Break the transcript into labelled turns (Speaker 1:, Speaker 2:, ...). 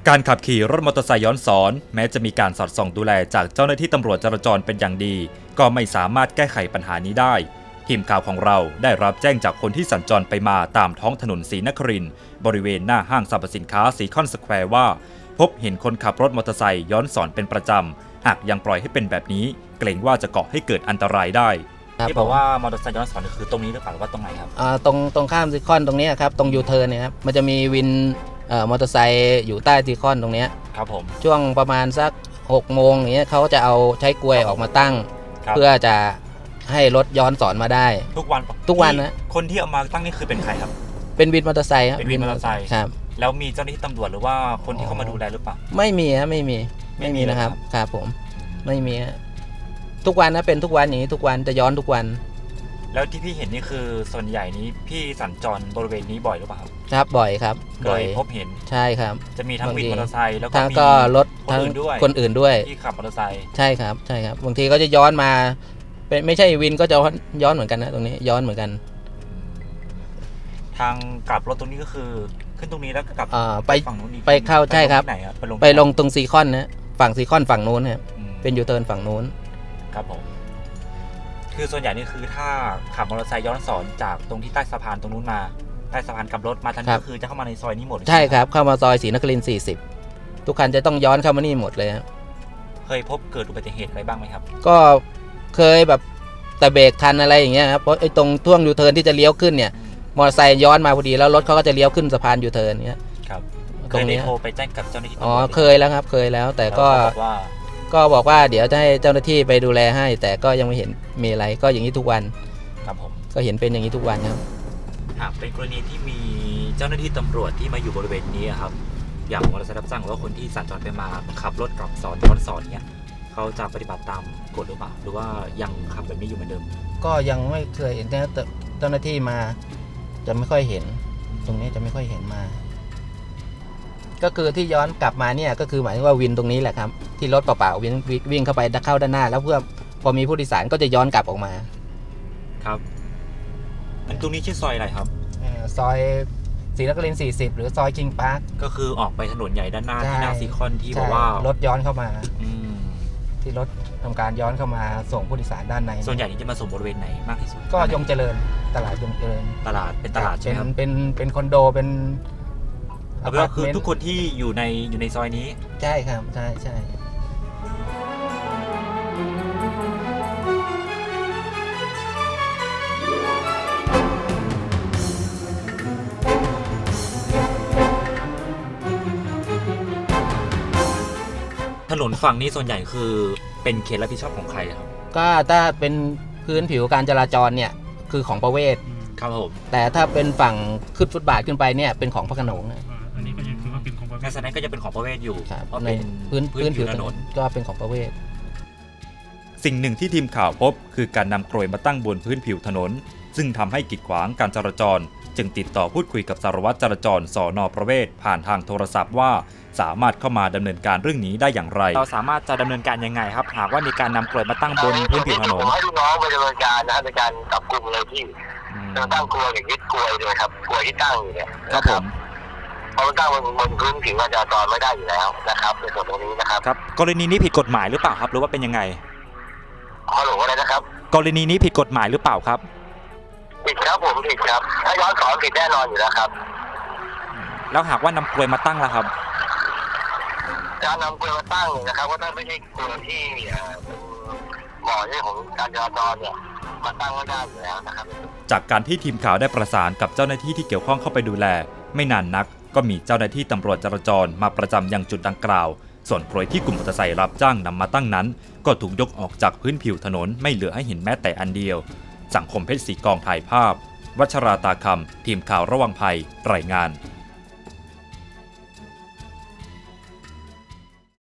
Speaker 1: การขับขี่รถมอเตอร์ไซค์ย้อนสอนแม้จะมีการสอดส่องดูแลจากเจ้าหน้าที่ตำรวจจราจรเป็นอย่างดีก็ไม่สามารถแก้ไขปัญหานี้ได้ทีมข่าวของเราได้รับแจ้งจากคนที่สัญจรไปมาตามท้องถนนศรีนครินทร์บริเวณหน้าห้างสรรพสินค้าซีคอนสแควร์ว่าพบเห็นคนขับรถมอเตอร์ไซค์ย้อนสอนเป็นประจำหากยังปล่อยให้เป็นแบบนี้เกรงว่าจะก่อให้เกิดอันตรายได้ที่บอกว่ามอเตอร์ไซค์ย้อนสอนคือตรงนี้หรือเปล่าหรือว่าตรงไหนครับ
Speaker 2: ตรงข้ามซีคอนตรงนี้ครับตรงยูเทิร์นเนี่ยครับมันจะมีวินมอเตอร์ไซค์อยู่ใต้ซีคอนตรงนี้
Speaker 1: ครับผม
Speaker 2: ช่วงประมาณสัก6 โมงอย่างเงี้ยเขาจะเอาใช้กลวยออกมาตั้งเพื่อจะให้รถย้อนสอนมาได้
Speaker 1: ทุกวันนะคนที่เอามาตั้งนี่คือเป็นใครครับ
Speaker 2: เป็นวินมอเตอร์ไซค์ครับ
Speaker 1: เป็นวินมอเตอร์ไซค์
Speaker 2: ครับ
Speaker 1: แล้วมีเจ้าหน้าที่ตำรวจหรือว่าคนที่เข้ามาดูแลหรือเปล่า
Speaker 2: ไม่มีครับไม่มีนะครับครับผมไม่มีทุกวันนะเป็นทุกวันอย่างนี้ทุกวันจะย้อนทุกวัน
Speaker 1: แล้วที่พี่เห็นนี่คือส่วนใหญ่นี้พี่สัญจรบริเวณนี้บ่อยหรือเปล่า
Speaker 2: ครับบ่อยครับ
Speaker 1: เคยพบเห็น
Speaker 2: ใช่ครับ
Speaker 1: จะมีทั้งวินมอเตอร์ไซค์แล้ว
Speaker 2: ก็รถ
Speaker 1: ทั้ง
Speaker 2: คนอื่นด้วย
Speaker 1: ที่ขับมอเตอร์ไซค์
Speaker 2: ใช่ครับบางทีก็จะย้อนมาเป็นไม่ใช่วินก็จะย้อนเหมือนกันนะตรงนี้ย้อนเหมือนกัน
Speaker 1: ทางกลับรถตรงนี้ก็คือขึ้นตรงนี้แล้วก็กลับ
Speaker 2: ไป
Speaker 1: ฝั่งนู้น
Speaker 2: ไปเข้าใช่ครับไปลงตรงซีคอนนะฝั่งซีคอนฝั่งนู้นครับเป็นยูเทิร์นฝั่งนู้น
Speaker 1: ครับผมคือส่วนใหญ่นี่คือถ้าขับมอเตอร์ไซค์ย้อนสอนจากตรงที่ใต้สะพานตรงนู้นมาใต้สะพานกลับรถมาทางนี้ก็คือจะเข้ามาในซอยนี้หมด
Speaker 2: ใช่ครับเข้ามาซอยศรีนครินทร์40ทุกคันจะต้องย้อนเข้ามานี่หมดเลยครับ
Speaker 1: เคยพบเกิดอุบัติเหตุอะไรบ้างไหมครับ
Speaker 2: ก็เคยแบบแต่เบรกทันอะไรอย่างเงี้ยครับเพราะไอ้ตรงช่วงยูเทิร์นที่จะเลี้ยวขึ้นเนี่ยมอเตอร์ไซค์ย้อนมาพอดีแล้วรถเขาก็จะเลี้ยวขึ้นสะพานยูเทิร์นเนี้ย
Speaker 1: ครับตรงนี้โทรไปแจ้งกับเจ้าหน้าที่
Speaker 2: เคยแล้วครับเคยแล้วแต่ก็บอกว่าเดี๋ยวจะให้เจ้าหน้าที่ไปดูแลให้แต่ก็ยังไม่เห็นมีอะไรก็อย่างนี้ทุกวัน
Speaker 1: ครับผม
Speaker 2: ก็เห็นเป็นอย่างนี้ทุกวันครับ
Speaker 1: หากเป็นกรณีที่มีเจ้าหน้าที่ตำรวจที่มาอยู่บริเวณนี้ครับอย่างมอเตอร์ไซค์รับจ้างหรือว่าคนที่สัญจรไปมาขับรถกลับสอนย้อนสอนเนี่ยเขาจะปฏิบัติตามกฎหรือเปล่าหรือว่ายังขับแบบนี้อยู่เหมือนเดิม
Speaker 2: ก็ยังไม่เคยเห็นเจ้าหน้าที่มาจะไม่ค่อยเห็นตรงนี้จะไม่ค่อยเห็นมาก็คือที่ย้อนกลับมาเนี่ยก็คือหมายถึงว่าวินตรงนี้แหละครับที่รถเปล่าๆวิ่งเข้าไปเข้าด้านหน้าแล้วเพื่อพอมีผู้โดยสารก็จะย้อนกลับออกมา
Speaker 1: ครับตรงนี้ชื่อซอยอะไรครับ
Speaker 2: ซอยศรีนครินทร์40หรือซอยคิงพาร์ค
Speaker 1: ก็คือออกไปถนนใหญ่ด้านหน้าที่หน้าซีคอนที่บอกว่
Speaker 2: ารถย้อนเข้ามาที่รถทำการย้อนเข้ามาส่งผู้โดยสารด้านใน
Speaker 1: ส่วนใหญ่จะมาส่งบริเวณไหนมากที่สุด
Speaker 2: ก็ยงเจริญตลาดยงเจริญ
Speaker 1: ตลาดใช่ไหมครับ
Speaker 2: เป็นคอนโดเป็น
Speaker 1: ก็คือทุกคนที่อยู่ในซอยนี้
Speaker 2: ใช่ครับใช่
Speaker 1: ถนนฝั่งนี้ส่วนใหญ่คือเป็นเขตรับผิดชอบของใครครับ
Speaker 2: ก็ถ้าเป็นพื้นผิวการจราจรเนี่ยคือของประเวศ
Speaker 1: ครับผม
Speaker 2: แต่ถ้าเป็นฝั่งขึ้นฟุตบาทขึ้นไปเนี่ยเป็นของพระโขนง
Speaker 1: อันนี้ก็ยังคือว่าเป็นของประเวศแสดงก็จะเป็นของประเวศอยู่
Speaker 2: เพราะเป็นพื้นผิวถนนก็เป็นของประเวศ
Speaker 1: สิ่งหนึ่งที่ทีมข่าวพบคือการนำกลวยมาตั้งบนพื้นผิวถนนซึ่งทำให้กีดขวางการจราจรจึงติดต่อพูดคุยกับสารวัตรจราจรสน.ประเวศผ่านทางโทรศัพท์ว่าสามารถเข้ามาดำเนินการเรื่องนี้ได้อย่างไรเราสามารถจะดำเนินการยังไงครับหากว่ามีการนำกลวยมาตั้งบนพื้นผิวถนน
Speaker 3: ให้ลูกน้องไปดำเนินการนะในการจับกุมเลยที่จะตั้งกลวยอย่างยึดกลวยเลยครับกลวยที่ตั้งอยู่เนี่ย
Speaker 1: ครับผม
Speaker 3: เพราะมันตั้งบนพื้นผิวการจราจรไม่ได้อยู่แล้วนะครับในส่วนตรงนี้นะครับ
Speaker 1: ครับกรณีนี้ผิดกฎหมายหรือเปล่าครับหรือว่าเป็นยังไง
Speaker 3: ฮัลโหลอะไรนะครับ
Speaker 1: กรณีนี้ผิดกฎหมายหรือเปล่าครับ
Speaker 3: ผิดครับผมผิดครับถ้าย้อนสอนผิดแน่นอนอยู่แล้วครับ
Speaker 1: แล้วหากว่านำกลวยมาตั้งล่ะครับ
Speaker 3: การนำกลวยมาตั้งเนี่ยนะครับว่าถ้าไม่ใช่กลวยที่เหมาะเรื่องของการจราจรเนี่ยมาตั้งไม่ได้อยู่แล้วนะครับ
Speaker 1: จากการที่ทีมข่าวได้ประสานกับเจ้าหน้าที่ที่เกี่ยวข้องเข้าไปดูแลไม่นานนักก็มีเจ้าหน้าที่ตำรวจจราจรมาประจำยังจุดดังกล่าวส่วนกลวยที่กลุ่มมอเตอร์ไซค์รับจ้างนำมาตั้งนั้นก็ถูกยกออกจากพื้นผิวถนนไม่เหลือให้เห็นแม้แต่อันเดียวสังคมเพชรศรีกองถ่ายภาพวัชราตาคำทีมข่าวระวังภัยรายงาน